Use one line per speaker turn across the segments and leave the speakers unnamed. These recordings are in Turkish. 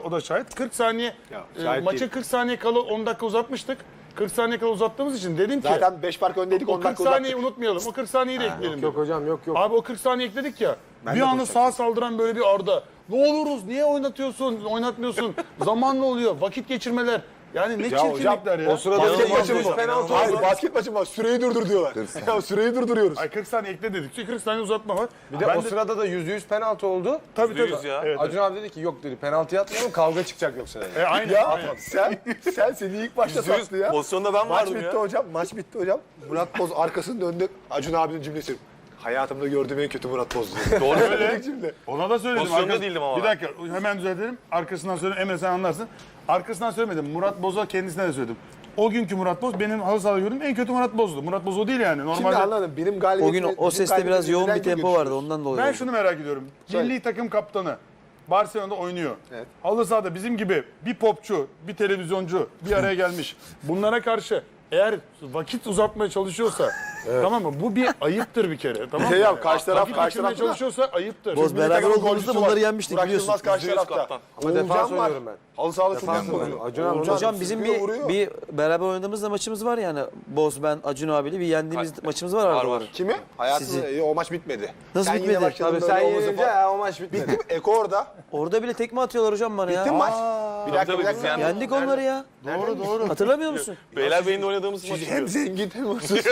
o da şahit. 40 saniye
şahit
maçın
değil.
40 saniye kala 10 dakika uzatmıştık. 40 saniye kala uzattığımız için dedim ki
Zaten 5 fark öndeydik,
o
10
40
dakika
saniyeyi
uzattık.
unutmayalım. O 40 saniyeyi de ekleyelim.
Yok hocam yok.
Abi o 40 saniye ekledik ya.
Ben
bir
de
anda
konuşacağım.
sağa saldıran böyle bir Arda. Ne oluruz? Niye oynatmıyorsun? Zamanla oluyor. Vakit geçirmeler. Yani ne çirkinlikler ya.
o sırada
Basket
İnanılmaz
maçı mı?
bir penaltı
Hayır,
oldu.
basket maçı mı? Süreyi durdur diyorlar. Ya süreyi durduruyoruz.
Ay 40 saniye ekle dedik. 40 saniye uzatma var.
Bir de o sırada da %100 penaltı oldu.
Tabii
%100 ya.
Evet,
Acun abi dedi ki yok dedi penaltı atmayalım kavga çıkacak yoksa dedi.
aynen.
Ya
aynen.
sen seni ilk başta sattı ya.
Pozisyonda ben
Maç
vardım
bitti
ya.
hocam, maç bitti hocam. Murat Boz arkasını döndü. Acun abinin cümlesi. Hayatımda gördüğüm en kötü Murat Boz diyor.
Doğru
Öyle
öyle.
cümle.
Ona da söyledim.
Pozisyonda değildim ama
Bir
ben.
dakika hemen düzeltelim. Arkasından söyleyeyim. Emre sen anlarsın. Arkasından söylemedim. Murat Boz'a kendisine de söyledim. O günkü Murat Boz benim halı sahada gördüğüm en kötü Murat Boz'du. Murat Boz o değil yani.
Şimdi
Normalde
anladım. Benim galibiyetim...
O gün o seste biraz yoğun bir tempo vardı ondan dolayı.
ben
oldu.
şunu merak ediyorum.
Söyle.
Milli takım kaptanı Barcelona'da oynuyor.
Evet.
Halı sahada bizim gibi bir popçu, bir televizyoncu bir araya gelmiş. Bunlara karşı eğer vakit uzatmaya çalışıyorsa tamam mı? Bu bir ayıptır bir kere. Tamam mı?
Ya karşı taraf
Vakit geçirmeye
da-
çalışıyorsa ayıptır.
Boz
Milli
beraber
takımın
olduğumuzda
golcüsü
bunları
var.
yenmiştik
Burak
biliyorsun.
Yılmaz karşı
%100
tarafta.
kaptan.
Ama defans
Oğulcan var.
oynuyorum ben.
Halı sahada çok
Defans
iyi oynuyor.
oynuyorum. Acun abi
Oğulcan
Hocam bizim
sıkıyor, vuruyor.
bir beraber oynadığımızda maçımız var yani. Boz, ben, Acun abiyle bir yendiğimiz maçımız var.
Var
arada.
var.
Kimi? Hayatında
Sizi.
o maç bitmedi.
Nasıl
Sen yine
bitmedi?
başladın
Tabii
böyle
sen
omuzu
yenince
falan.
ya o maç bitmedi.
Bitti mi? Eko orada.
Orada bile tekme atıyorlar hocam bana ya.
Bitti mi maç? Bir dakika
tabii
bir
biz
dakika.
yendik.
Yendik onları ya.
Doğru.
Hatırlamıyor musun?
Beylerbeyi'nde oynadığımız maçı
Siz hem
diyor.
zengin hem hırsız.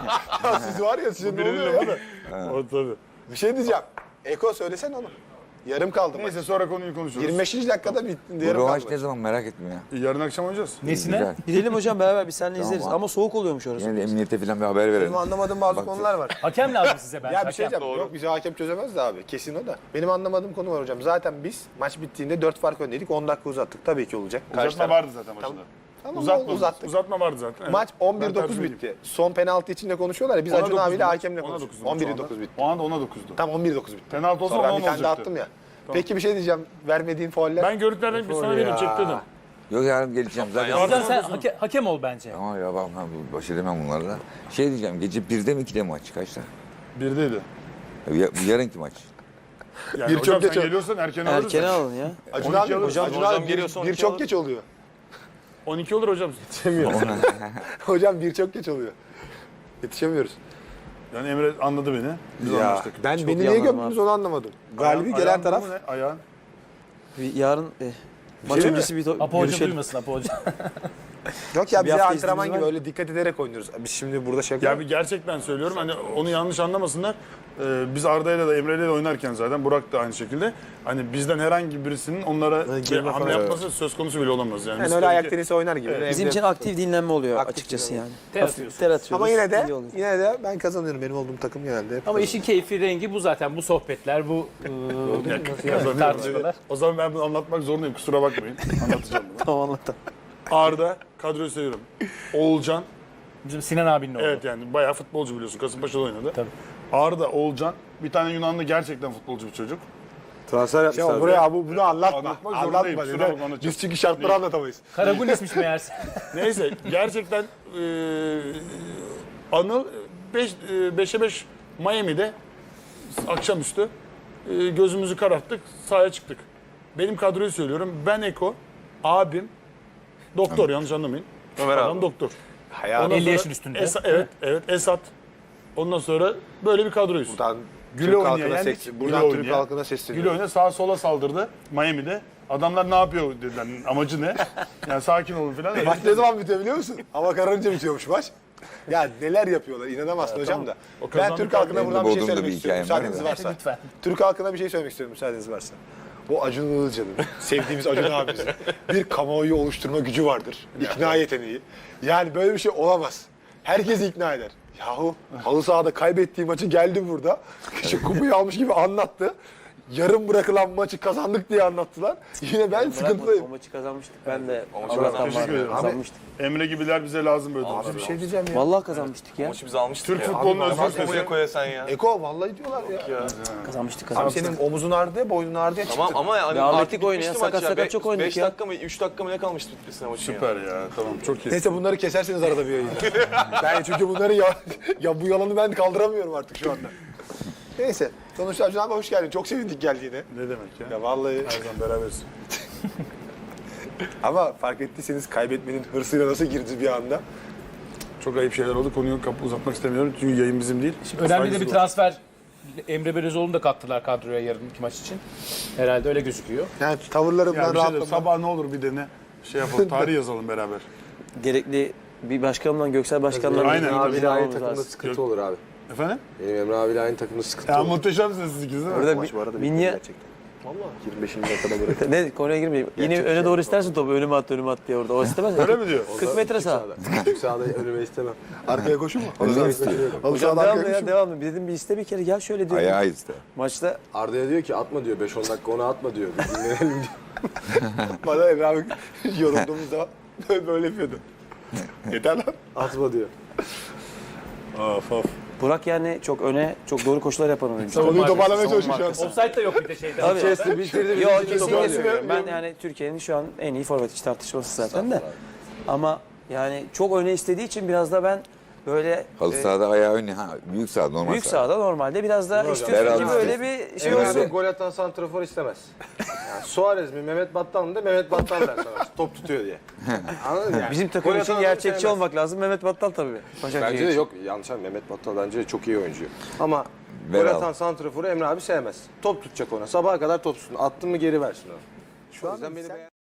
Ya siz var ya size ne oluyor ya?
O tabii.
Bir şey diyeceğim. Eko söylesene onu. Yarım kaldı maç.
Neyse sonra konuyu konuşuruz.
25. dakikada bitti.
Bu
Yarım
rövanş
kaldı.
ne zaman merak ettim ya.
Yarın akşam oynayacağız.
Güzel.
Gidelim hocam beraber biz seninle izleriz.
Tamam.
Ama soğuk oluyormuş orası.
Yine de emniyete falan bir haber verelim.
Benim anlamadığım bazı konular var.
Hakem lazım size bence.
Ya bir şey
hakem.
diyeceğim. Yok bize hakem çözemez de abi. Kesin o da. Benim anlamadığım konu var hocam. Zaten biz maç bittiğinde 4 fark öndeydik. 10 dakika uzattık. Tabii ki olacak. Karşı
Uzatma
taraf-
vardı zaten maçında.
Tamam,
Uzatma,
uzattık.
uzatma vardı zaten. Evet.
Maç
Ben
11-9
tercih edeyim.
bitti. Son penaltı için de konuşuyorlar ya. Biz
Ona
Acun
9'du
abiyle
maç.
hakemle
Ona
konuşuyoruz.
9'du maç o anda.
11-9 bitti.
O anda ona 9'du.
Tam 11-9 bitti.
Penaltı olsa
Sonra ben
ona
bir tane daha
olacaktı.
attım ya. Peki bir şey diyeceğim. Vermediğin fauller.
Ben görüntülerden bir sana vereyim çek dedim.
Yok yarın geleceğim zaten.
Hocam sen hakem ol bence.
Tamam ya ben baş edemem bunlarla. Şey diyeceğim gece 1'de mi 2'de mi maç kaçta?
Birdeydi.
Bu yarınki maç.
Yani
Bir
hocam
çok geç
sen
oldu.
geliyorsan erken alırız.
Erkene alın ya.
Acun
12
abi,
alır.
hocam,
Hocam geliyorsa
bir
12
çok
alır.
geç oluyor.
12 olur hocam.
Hocam bir çok geç oluyor. Yetişemiyoruz.
Yani Emre anladı beni. Biz
Ya
anlaştık.
ben
Çok
beni
iyi
niye
anladım
gömdünüz onu anlamadım. Galibi
Ayağın-
gelen
ayağın
taraf.
durumu ne? Ayağın.
Bir yarın maç
şey mi?
öncesi bir
Apo Hoca
görüşelim.
duymasın Apo Hoca.
Yok ya
Bir
bize
hafta
antrenman
iznimiz
gibi
var.
öyle dikkat ederek oynuyoruz. Biz şimdi burada şaka.
Ya bir gerçekten söylüyorum hani onu yanlış anlamasınlar. Biz Arda'yla da Emre'yle de oynarken zaten Burak da aynı şekilde hani bizden herhangi birisinin onlara bir
girme
hamle
falan.
yapması söz konusu bile olamaz yani.
yani
Biz
öyle
tabii
ayak
ki-
tenisi oynar gibi. Evde-
Bizim için aktif dinlenme oluyor
Aktif
açıkçası
dinlenme.
yani.
Ter atıyorsun.
Ter atıyoruz.
Ama yine de
iyi oluyor.
ben kazanıyorum. Benim olduğum takım genelde. hep
Ama işin keyfi rengi bu zaten. Bu sohbetler, bu tartışmalar.
O zaman ben bunu anlatmak zorundayım kusura bakmayın. Anlatacağım bunu.
Tamam anlattım.
Arda kadroyu seviyorum. Oğulcan
Bizim Sinan abinin oğlu.
evet yani bayağı futbolcu biliyorsun. Kasımpaşa'da oynadı.
Tabii.
Arda, Oğulcan bir tane Yunanlı gerçekten futbolcu bir çocuk.
Transfer yapmışlar.
Ya buraya bunu anlatma.
Anlatmak zorundayım,
Anlatma.
kusura
Neden?
bakma, anlatacağım.
Biz çünkü şartları anlatamayız.
Karagulis'miş meğerse.
Neyse gerçekten Anıl 5'e 5 Miami'de akşamüstü gözümüzü kararttık sahaya çıktık. Benim kadroyu söylüyorum. Ben Eko, abim, doktor yanlış anlamayın.
Ömer
Adam
abi.
doktor.
Hayal.
Ondan
50
sonra
yaşın üstünde.
evet Esat. Ondan sonra böyle bir kadroyuz.
Buradan
Güle
Türk
oynaya
halkına
yendik.
ses-
Güle
Buradan Türk
oynaya.
halkına
Gül
sesleniyorum.
oyuna sağa sola saldırdı Miami'de. Adamlar ne yapıyor dediler. Amacı ne? Yani sakin olun falan.
Maç ne zaman bitiyor biliyor musun? Hava kararınca bitiyormuş maç. Ya neler yapıyorlar inanamazsın hocam da.
O
Ben
kazandı
Türk halkına
kaldı.
buradan bir şey
Bodrum'da
söylemek
bir
istiyorum
hikayem var
müsaadeniz
da.
varsa.
Lütfen.
Türk halkına bir şey söylemek istiyorum müsaadeniz varsa. Bu Acun Ilıcalı'nın, sevdiğimiz Acun abimizin bir kamuoyu oluşturma gücü vardır. İkna yeteneği. Yani böyle bir şey olamaz. Herkesi ikna eder. Yahu halı sahada kaybettiği maçı geldi burada. İşte kupayı almış gibi anlattı. Yarım bırakılan maçı kazandık diye anlattılar. Yine ben sıkıntıdayım.
O maçı kazanmıştık. Ben de
maçı
Allah'tan
kazanmıştık.
var.
Teşekkür ederim.
Kazanmıştık.
Emre gibiler bize lazım böyle.
Bir şey diyeceğim ya.
Vallahi kazanmıştık ya.
Maçı biz almıştık
Türk
ya.
futbolunun
Abi,
özgür
bakma
sesi.
buraya koya sen ya.
Eko vallahi diyorlar ya.
Kazanmıştık
Abi
kazanmıştık.
senin omuzun ağrıdı, boynun ağrıdı ya
Tamam
çıktı.
ama yani
Ya
artık
Atletik oynuyor,
bitmişti maç
sakat
ya.
sakat çok oynadık
5
ya.
dakika mı 3 dakika mı ne kalmıştı bitmesine maçın ya.
Süper ya tamam çok iyi.
Neyse bunları keserseniz arada bir yayında. Ben çünkü bunları ya bu yalanı ben kaldıramıyorum artık şu anda. Neyse. Sonuçta Acun abi hoş geldin. Çok sevindik geldiğine.
Ne demek ya?
Ya vallahi
Her zaman beraberiz.
Ama fark ettiyseniz kaybetmenin hırsıyla nasıl girdi bir anda?
Çok ayıp şeyler oldu. Konuyu uzatmak istemiyorum. Çünkü yayın bizim değil.
Önemli de bir
Saygısız
transfer. Emre Belözoğlu'nu da kattılar kadroya yarınki maç için. Herhalde öyle gözüküyor.
Yani
Ya
tavırlarımdan
bir şey de,
rahatladım.
sabah ne olur bir dene. Şey yapalım, tarih yazalım beraber.
Gerekli bir başkanımla Göksel Başkan'la
Aynen.
bir
Emre abiyle aynı
almamız
takımda
lazım.
sıkıntı olur abi.
Efendim?
Benim Emre abiyle aynı takımda sıkıntı
Ya
olur.
muhteşemsiniz siz ikiniz değil mi?
Orada
Maç bu arada
Minya
gerçekten. Valla 25. dakikada bırakın.
ne konuya girmeyeyim. Yine öne doğru istersin topu önüme at diye orada. O istemez.
Öyle mi diyor?
40 metre sağ.
Küçük sahada önüme istemem.
Arkaya koşun mu?
Onu istiyor.
Hocam devamlı ya devamlı. Dedim bir iste bir kere gel şöyle diyor.
Ayağı iste.
Maçta
Arda'ya diyor ki atma diyor 5-10 dakika ona atma diyor. Bir dinlenelim diyor.
Bana Emre abi yorulduğumuz zaman böyle yapıyordu. Yeter lan.
Atma diyor.
Of of.
Burak yani çok öne çok doğru koşular yapan oyuncu.
Konuyu toparlamaya çalışıyor şu an.
Offside de yok bir de şeyde.
Tabii.
Chelsea bitirdi.
Yok
bitirdi,
kesinlikle
toparlıyor.
söylüyorum. Ben yani Türkiye'nin şu an en iyi forvet içi tartışması zaten de. Ama yani çok öne istediği için biraz da ben böyle
Halı sahada ayağı önü. Ha, büyük saha normal
büyük
saha.
sahada normalde biraz daha istiyorsun
Beraber
ki böyle bir şey
Emre
olsun.
abi gol atan santrafor istemez. Yani Suarez mi Mehmet Battal mı de Mehmet Battal der sana. Top tutuyor diye. Anladın mı? Yani?
Bizim takım
Gol
için
atan
gerçekçi
sevmez.
olmak lazım. Mehmet Battal tabii. Başakşehir
Bence de
için.
yok yanlış anladın. Mehmet Battal bence de çok iyi oyuncu. Ama
Ver
gol
al.
atan santraforu Emre abi sevmez. Top tutacak ona. Sabaha kadar top tutsun. Attın mı geri versin onu. Şu yüzden beni beğen-